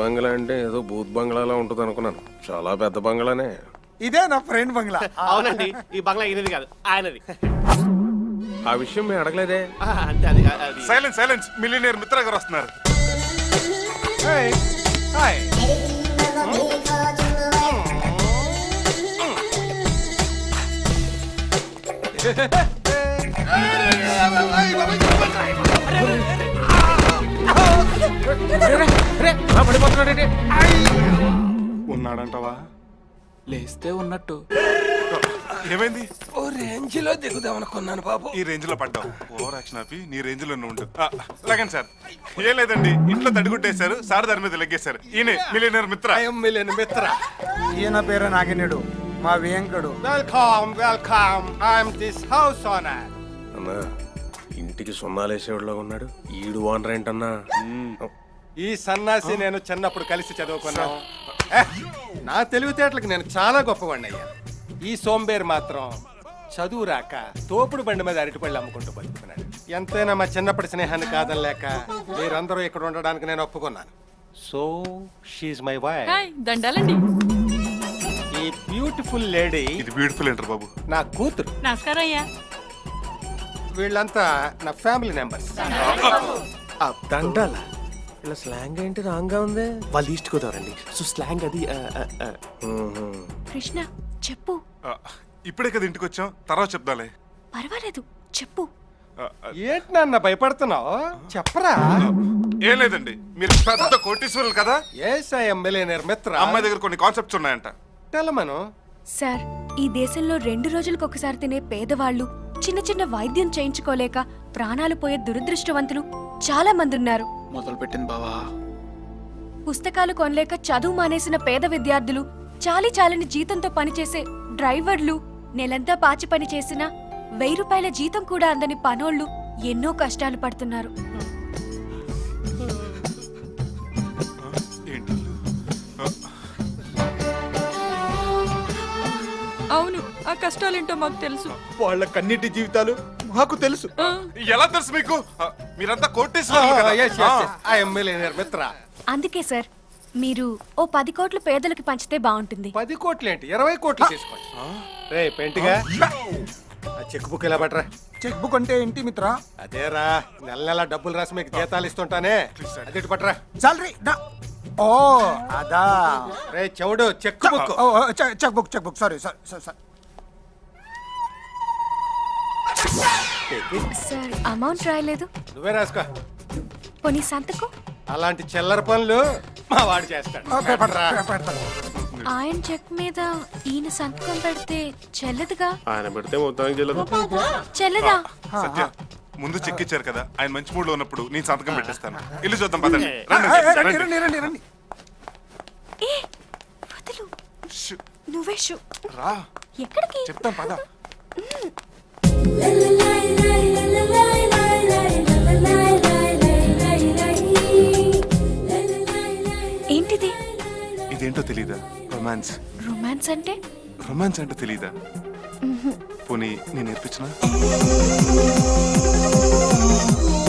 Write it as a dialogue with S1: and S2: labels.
S1: బంగ్లా అంటే ఏదో బూత్ బంగ్లాలా ఉంటుంది అనుకున్నాను. చాలా పెద్ద బంగ్లానే.
S2: ఇదే నా ఫ్రెండ్ బంగ్లా.
S3: అవునండి, ఈ బంగ్లా ఈయనది కాదు, ఆయనది.
S1: ఆ విషయం మేము అడగలేదే.
S3: అంటే అది
S4: silence silence, millionaire Mitra garu వస్తున్నారు.
S2: హాయ్.
S4: ఉన్నాడంటవా?
S5: లేస్తే ఉన్నట్టు.
S4: ఏమైంది?
S1: ఓ రేంజ్ లో దిగుదాం అనుకున్నాను బాబు.
S4: ఈ రేంజ్ లో పడ్డావు. ఓవర్ యాక్షన్ ఆపి నీ రేంజ్ లో ఉండు. లాగండి సార్. ఏం లేదండి, ఇంట్లో తడిగుట్టేశారు, సార్ దాని మీద లెగ్గేశారు. ఈయన మిలియనీర్ మిత్ర.
S2: మిత్ర. ఈయన పేరు నాగినేడు, మా వేంకడు.
S3: Welcome welcome, I'm this house owner.
S1: అన్నా ఇంటికి సున్నాలేసేవాడులో ఉన్నాడు. ఈడు ఓనర్ ఏంటన్నా?
S6: ఈ సన్నాసి నేను చిన్నప్పుడు కలిసి చదువుకున్నాను. నా తెలివితేటలకు నేను చాలా గొప్పవాడిని అయ్యా. ఈ సోంబేర్ మాత్రం చదువు రాక తోపుడు బండి మీద అరటిపళ్ళు అమ్ముకుంటూ బతుకుతున్నాడు. ఎంతైనా మా చిన్నప్పటి స్నేహాన్ని కాదనలేక మీరందరూ ఇక్కడ ఉండడానికి నేను ఒప్పుకున్నాను. So she my wife.
S7: Hi, దండాలండి.
S6: ఈ బ్యూటిఫుల్ లేడీ
S4: ఇది బ్యూటిఫుల్ ఏంటర్ బాబు.
S6: నా కూతురు.
S7: నమస్కారం అయ్యా.
S6: వీళ్ళంతా నా ఫ్యామిలీ మెంబర్స్.
S1: దండాల ఇలా స్లాంగ్ ఏంటి రాంగా ఉంది?
S3: వాళ్ళు ఈస్ట్ గోదావరండి, సో స్లాంగ్ అది.
S7: కృష్ణ చెప్పు.
S4: ఇప్పుడే కదా ఇంటికి వచ్చాం, తర్వాత చెప్దాలే.
S7: పర్వాలేదు చెప్పు.
S6: ఏంటి నాన్న భయపడుతున్నావు? చెప్పరా.
S4: ఏం లేదండి, మీరు పెద్ద కోటీశ్వరులు కదా.
S6: ఎస్ ఐ యామ్ మిలియనీర్ మిత్ర.
S4: అమ్మాయి దగ్గర కొన్ని కాన్సెప్ట్స్ ఉన్నాయంట.
S6: తెలమను.
S7: సార్, ఈ దేశంలో 2 రోజులకు ఒకసారి తినే పేదవాళ్ళు, చిన్న చిన్న వైద్యం చేయించుకోలేక ప్రాణాలు పోయే దురదృష్టవంతులు చాలా మంది ఉన్నారు.
S5: మొదలు పెట్టింది బావా.
S7: పుస్తకాలు కొనలేక చదువు మానేసిన పేద విద్యార్థులు, చాలని జీతంతో పనిచేసే డ్రైవర్లు, నెలంతా పాచి పని చేసిన 1000 రూపాయల జీతం కూడా అందని పనోళ్ళు ఎన్నో కష్టాలు పడుతున్నారు.
S4: ఏంటి?
S7: అవును, ఆ కష్టాలేంటో మాకు తెలుసు.
S2: వాళ్ళ కన్నిటి జీవితాలు మాకు తెలుసు.
S4: ఎలా తెలుసు మీకు? మీరంతా కోటీశ్వరులు కదా.
S6: ఐ యామ్ మిలియనీర్ మిత్ర.
S7: అందుకే సార్, మీరు ఓ 10 కోట్లు పేదలకు పంచితే బాగుంటుంది.
S6: 10 కోట్లు ఏంటి, 20 కోట్లు తీసుకోండి. రే పెంటిగా, ఆ చెక్ బుక్ ఇలా పట్టరా.
S2: చెక్ బుక్ అంటే ఏంటి మిత్ర?
S6: అదేరా, నెల నెల డబ్బులు రాసి మీకు జీతాలు ఇస్తుంటానే, అది ఇటు పట్టరా.
S2: సాలరీ. ఓ అదా.
S6: రే చెవుడు, cheque book.
S2: Cheque book sorry sir.
S7: Sir, amount రాయలేదు.
S6: నువ్వే రాసుకో.
S7: పోనీ సంతకం.
S6: అలాంటి చిల్లర పనులు మా వాడు చేస్తాడు.
S7: ఆయన చెక్ మీద ఈయన సంతకం పెడితే చెల్లదుగా.
S1: ఆయన పెడితే మొత్తానికి చెల్లదు.
S7: చెల్లదా?
S4: సత్య, ముందు చెక్ ఇచ్చారు కదా, ఆయన మంచి మూడ్ లో ఉన్నప్పుడు నేను సంతకం పెట్టేస్తాను. ఇల్లు చూద్దాం పదండి.
S2: రండి.
S7: ఏ వదులు, నువ్వే షూ.
S4: రా,
S7: ఎక్కడికి?
S4: చెప్తాం పద.
S7: ఏంటిది?
S4: ఇదేంటో తెలీదా? రొమాన్స్.
S7: రొమాన్స్ అంటే?
S4: రొమాన్స్ అంటే తెలీదా? పోనీ నేను నేర్పించిన.